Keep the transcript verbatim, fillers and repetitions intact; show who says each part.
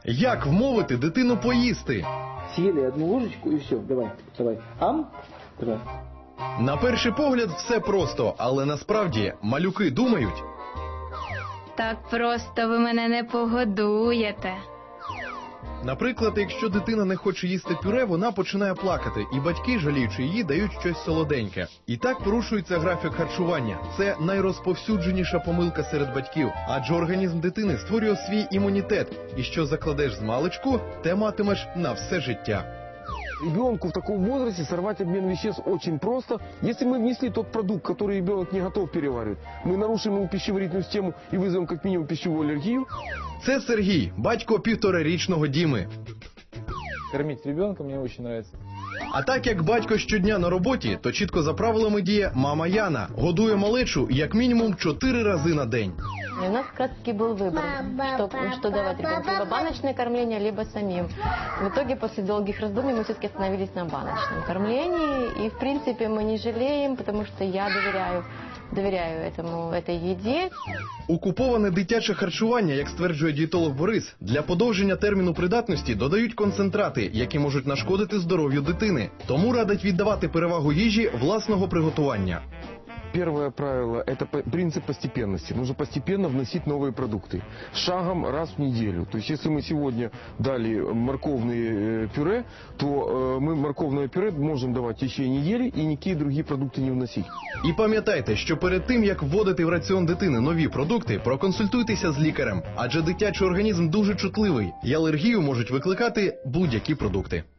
Speaker 1: Як вмовити дитину поїсти?
Speaker 2: Съели одну ложечку и все. Давай, давай. Ам, давай.
Speaker 1: На перший погляд все просто, але насправді малюки думають.
Speaker 3: Так просто ви мене не погодуєте.
Speaker 1: Наприклад, якщо дитина не хоче їсти пюре, вона починає плакати, і батьки, жаліючи її, дають щось солоденьке. І так порушується графік харчування. Це найрозповсюдженіша помилка серед батьків, адже організм дитини створює свій імунітет, і що закладеш з маличку, те матимеш на все життя.
Speaker 4: Ребенку в таком возрасте сорвать обмен веществ очень просто. Если мы внесли тот продукт, который ребенок не готов переваривать, мы нарушим ему пищеварительную систему и вызовем как минимум пищевую аллергию.
Speaker 1: Це Сергій, батько півторарічного Діми.
Speaker 5: Кормить ребенка мне очень нравится.
Speaker 1: А так як батько щодня на роботі, то чітко за правилами діє мама Яна. Годує малечу як мінімум чотири рази на день.
Speaker 6: У нас как раз таки был выбор, что, что давать ребенку, либо баночное кормление, либо самим. В итоге, после долгих раздумий, мы все-таки остановились на баночном кормлении. И, в принципе, мы не жалеем, потому что я доверяю, доверяю этому, этой еде.
Speaker 1: У куповане дитяче харчування, як стверджує дієтолог Борис, для подовження терміну придатності додають концентрати, які можуть нашкодити здоров'ю дитини. Тому радить віддавати перевагу їжі власного приготування.
Speaker 4: Первое правило – это принцип постепенности. Нужно постепенно вносить новые продукты. Шагом раз в неделю. То есть, если мы сегодня дали морковное пюре, то мы морковное пюре можем давать в течение недели и никакие другие продукты не вносить.
Speaker 1: І пам'ятайте, що перед тим, як вводити в раціон дитини нові продукти, проконсультуйтеся з лікарем. Адже дитячий організм дуже чутливий, і алергію можуть викликати будь-які продукти.